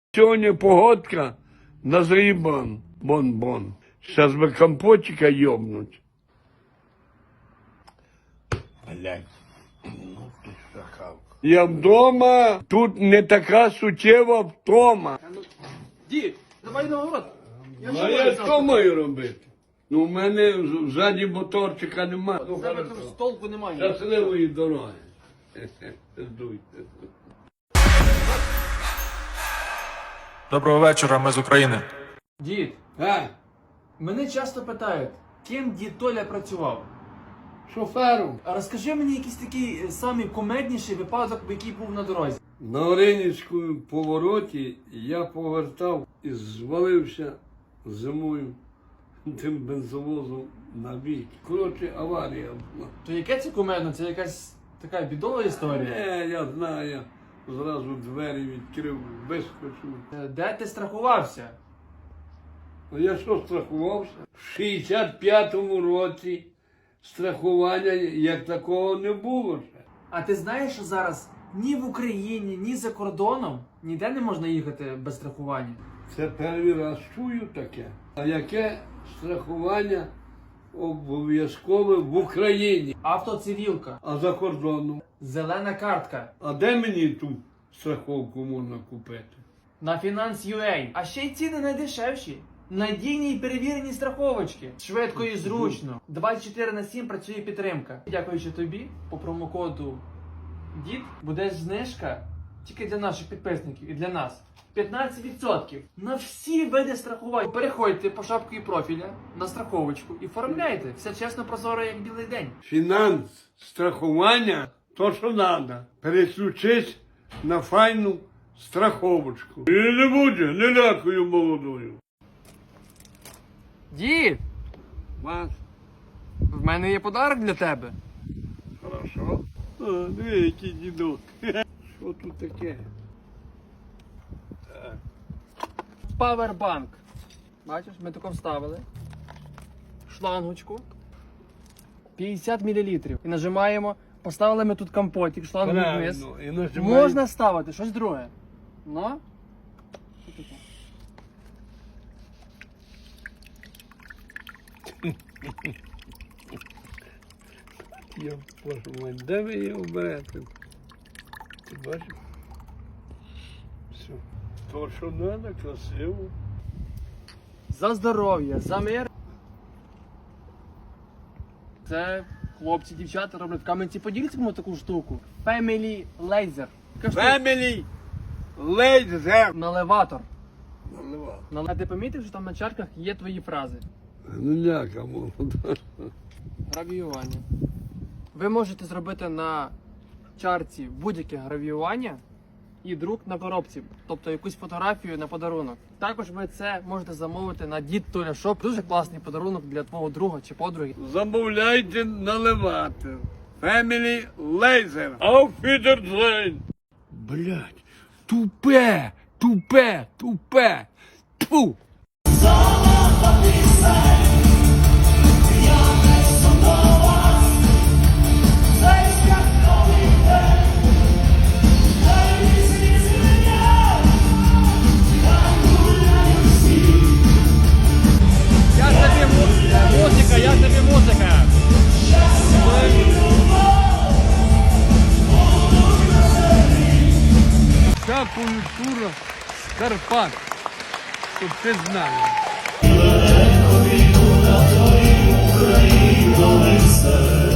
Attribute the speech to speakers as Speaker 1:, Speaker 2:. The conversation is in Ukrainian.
Speaker 1: Сьогодні погодка на зрібан. Бон-бон. Зараз би компотика йобнуть. Блядь. Ну ти шахавка. Я вдома, тут не така суттєва втома.
Speaker 2: Дід, давай на город.
Speaker 1: А я що маю робити? Ну, в мене ззаді моторчика немає. Ну,
Speaker 2: Тебе там з толку немає.
Speaker 1: щасливої дороги. Здуйте.
Speaker 3: Доброго вечора, ми з України.
Speaker 2: Дід, мене часто питають, ким дід Толя працював.
Speaker 1: Шофером.
Speaker 2: А розкажи мені якийсь такий самий кумедніший випадок, який був на дорозі.
Speaker 1: На Оринівському повороті я повертав і звалився зимою тим бензовозом на бік. Коротше, аварія була.
Speaker 2: То яке це кумедно? Це якась така бідова історія?
Speaker 1: Я знаю, я зразу двері відкрив, вискочив.
Speaker 2: Де ти страхувався?
Speaker 1: А я що страхувався? В 65-му році страхування як такого не було ще.
Speaker 2: А ти знаєш, що зараз ні в Україні, ні за кордоном ніде не можна їхати без страхування?
Speaker 1: Це перший раз чую таке. А яке страхування обов'язкове в Україні?
Speaker 2: Автоцивілка,
Speaker 1: А за кордоном?
Speaker 2: зелена картка,
Speaker 1: А де мені ту страховку можна купити?
Speaker 2: на Finance.ua. А ще й ціни найдешевші. Надійні і перевірені страховочки. Швидко і зручно. 24/7 працює підтримка. Дякуючи тобі, по промокоду ДІД буде знижка тільки для наших підписників і для нас. 15% на всі види страхувань. Переходьте по шапці профіля на страховочку і оформляйте. Все чесно, прозоро, як білий день.
Speaker 1: Фінанс, страхування, то що треба. Переключись на файну страховочку. І не буде, не лякую молодою.
Speaker 2: Дід,
Speaker 1: Вас,
Speaker 2: в мене є подарок для тебе.
Speaker 1: хорошо. Диви, який дідок. Що тут таке? Так.
Speaker 2: Павербанк. Бачиш, ми тако вставили. Шлангочку. 50 мл. І нажимаємо. Поставили ми тут компотик, шлангу вниз.
Speaker 1: Правильно. І нажимаєш.
Speaker 2: Можна ставити щось друге. Ну? Що таке?
Speaker 1: Я боже мой, де ви його берете? Ти бачиш? Все. То, що треба, красиво.
Speaker 2: За здоров'я, за мир. Це хлопці, дівчата роблять в Кам'янці-Подільському таку штуку. Family Laser. Така штука.
Speaker 1: Family Laser.
Speaker 2: Наливатор.
Speaker 1: Наливав.
Speaker 2: А ти помітив, що там на чарках є твої фрази?
Speaker 1: Ну ляка молода.
Speaker 2: Гравіювання. Ви можете зробити на чарці будь-яке гравіювання і друк на коробці, тобто якусь фотографію на подарунок. Також ви це можете замовити на Дід Толя Шоп. Дуже класний подарунок для твого друга чи подруги.
Speaker 1: Замовляйте наливати. Family Laser. Auf Wiedersehen. Блять, тупе, тупе, тупе. Тьфу.
Speaker 2: Я тобі музика.
Speaker 1: Вся культура з Карпат, щоб ти знав.